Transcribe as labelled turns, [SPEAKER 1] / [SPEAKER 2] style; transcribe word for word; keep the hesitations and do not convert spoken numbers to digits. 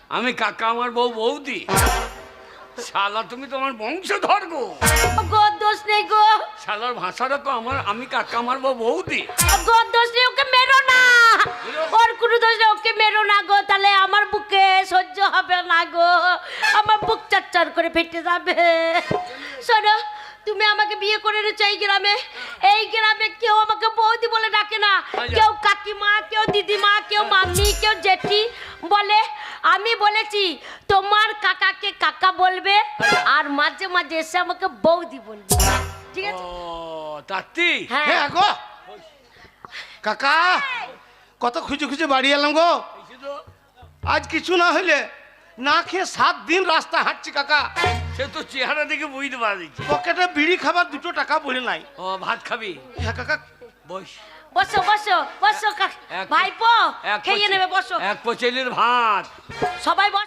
[SPEAKER 1] আমি কাকা আমার বউ বৌদি। শালা তুমি তোমার বংশধর গো।
[SPEAKER 2] গো দোষ নেই গো।
[SPEAKER 1] শালার ভাষাটা তো আমার, আমি কাকা আমার বউ বৌদি।
[SPEAKER 2] গো দোষ নেই, ওকে মেরো না। ওর কোনো দোষ নেই, ওকে মেরো না গো, তাহলে আমার বুকে সহ্য হবে না গো, আমার বুক চারচার করে ফেটে যাবে। শোনো, তুমি আমাকে বিয়ে করে এনেছো এই গ্রামে, এই গ্রামে কেউ আমাকে বৌদি বলে ডাকে না, কেউ কাকিমা, কেউ দিদিমা, কেউ মাম্মি, কেউ জেঠি বলে। আমি বলেছি তোমার কাকাকে কাকা বলবে, আর মাঝে মাঝে এসে আমাকে বৌদি বলবে, ঠিক আছে?
[SPEAKER 1] ও তাত্তি,
[SPEAKER 3] হ্যাঁ গো কাকা, কত খুঁজে খুঁজে বাড়ি এলাম গো। আজ কিছু না হইলে না খেয়ে সাত দিন রাস্তা হাঁটছি কাকা।
[SPEAKER 1] সে তো চেহারা দেখে বুঝতে পারছি।
[SPEAKER 3] পকেটে বিড়ি খাবার দুটো টাকা বলে নাই।
[SPEAKER 1] ও ভাত খাবি?
[SPEAKER 3] হ্যাঁ কাকা।
[SPEAKER 1] বস
[SPEAKER 2] বসো বসো বসো, ভাইপো খেয়ে নেবে, বসো।
[SPEAKER 1] এক পচেলির ভাত
[SPEAKER 2] সবাই বসো।